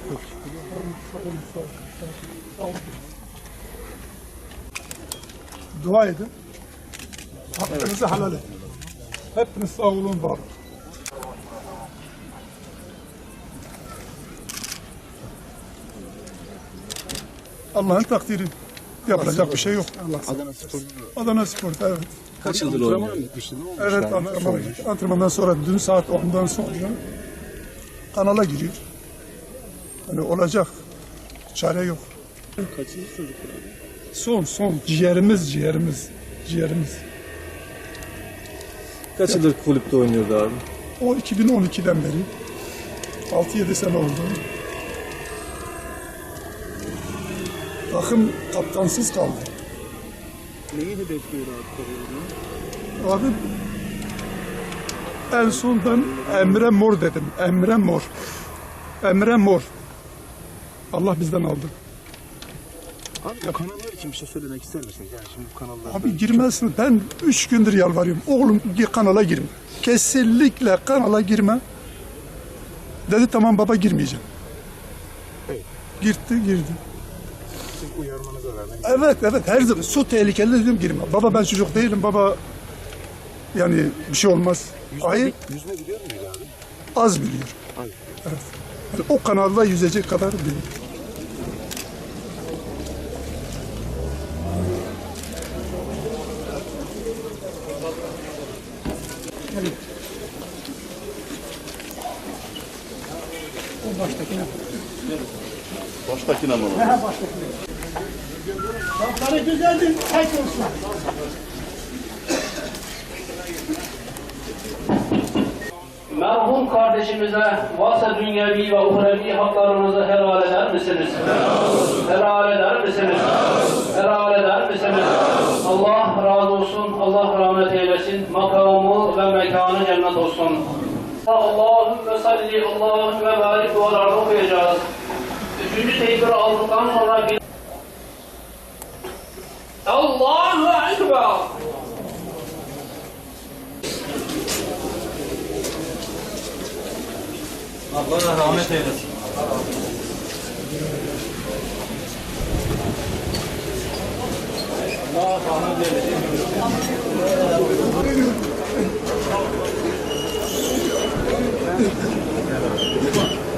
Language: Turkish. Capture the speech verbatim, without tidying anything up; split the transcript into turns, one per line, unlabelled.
Dua edin. Hakkınızı helal edin. Hepiniz sağ olun, var olun. Allah'ın takdiri. Yapılacak bir şey yok.
Adana Spor.
Adana Spor, evet.
Kaç yıldır oynuyor?
Evet, antrenman, antrenmandan sonra dün saat ondan sonra kanala giriyor. Hani olacak. Çare yok.
Kaçıncı çocuk abi?
Son, son. Ciğerimiz, ciğerimiz. Ciğerimiz.
Kaç yıldır kulüpte oynuyordu abi?
O iki bin on ikiden beri. altı yedi sene oldu. Takım kaptansız kaldı.
Neyi hedefliyor abi?
Abi en son ben Emre Mor dedim. Emre Mor. Emre Mor. Allah bizden aldı.
Abi kanallar için bir şey söylemek ister misiniz? Yani şimdi bu kanallar...
Abi girmezsin. Ben üç gündür yalvarıyorum. Oğlum kanala girme. Kesinlikle kanala girme. Dedi tamam baba girmeyeceğim.
Evet.
Girdi girdi.
Siz uyarmanıza rağmen...
Evet evet her zaman su tehlikeli dedim girme. Baba ben çocuk değilim baba. Yani bir şey olmaz. Hayır
Yüzme biliyor muydu abi?
az biliyor.
Hayır.
Evet. Yani o kanalda yüzecek kadar biliyor. O baştakine.
Baştakine mi?
He baştakine. Lafları güzeldir, tek olsun.
Merhum kardeşimize varsa dünyevi ve uhrevi haklarınızı helal eder misiniz? Helal eder misiniz? Helal eder misiniz? Allah razı olsun, Allah rahmet eylesin, makamı ve mekanı cennet olsun. Allahümme salli, Allahümme barik dualarını okuyacağız. Üçüncü tekbiri aldıktan sonra bir... Allahu Ekber! Allah rahmet eylesin. Allah rahmet eylesin.